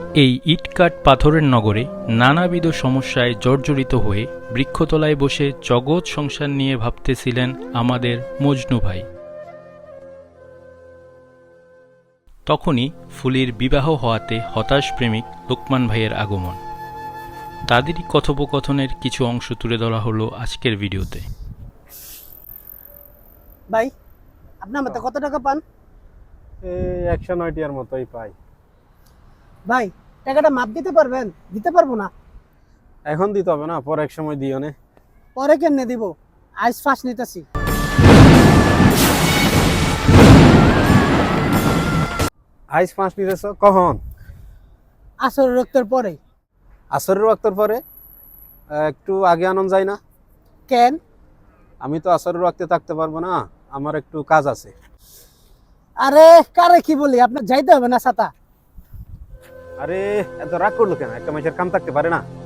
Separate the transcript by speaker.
Speaker 1: এই ইটকাট পাথরের নগরে নানাবিধ সমস্যায় জর্জরিত হয়ে বৃক্ষতলায় বসে জগৎ সংসার নিয়ে ভাবতেছিলেন আমাদের মজনু ভাই। তখনই ফুলির বিবাহ হওয়াতে হতাশ প্রেমিক লোকমান ভাইয়ের আগমন। তাদেরই কথোপকথনের কিছু অংশ তুলে ধরা হলো আজকের ভিডিওতে।
Speaker 2: ভাই, আপনার মতে কত টাকা পান?
Speaker 3: 109 টিয়ার মতোই পাই।
Speaker 2: ভাই, টাকাটা মাপ দিতে পারবেন? দিতে পারবো না।
Speaker 3: এখন দিতে হবে না, পরে এক সময় দিও নে।
Speaker 2: পরে কেমনে দিব? আইস ফাঁস নিতেছি।
Speaker 3: আইস 5 নিতেছ কখন?
Speaker 2: আসর রক্তের পরে।
Speaker 3: আসরের ওয়াক্তর পরে? একটু আগে আনন যায় না?
Speaker 2: কেন?
Speaker 3: আমি তো আসরের ওয়াক্তে থাকতে পারবো না, আমার একটু কাজ আছে।
Speaker 2: আরে কারে কি বলি, আপনার যাইতে হবে না ছাতা।
Speaker 3: আরে এত রাগ করলো কেন? একটা মানুষের কাম থাকতে পারে না?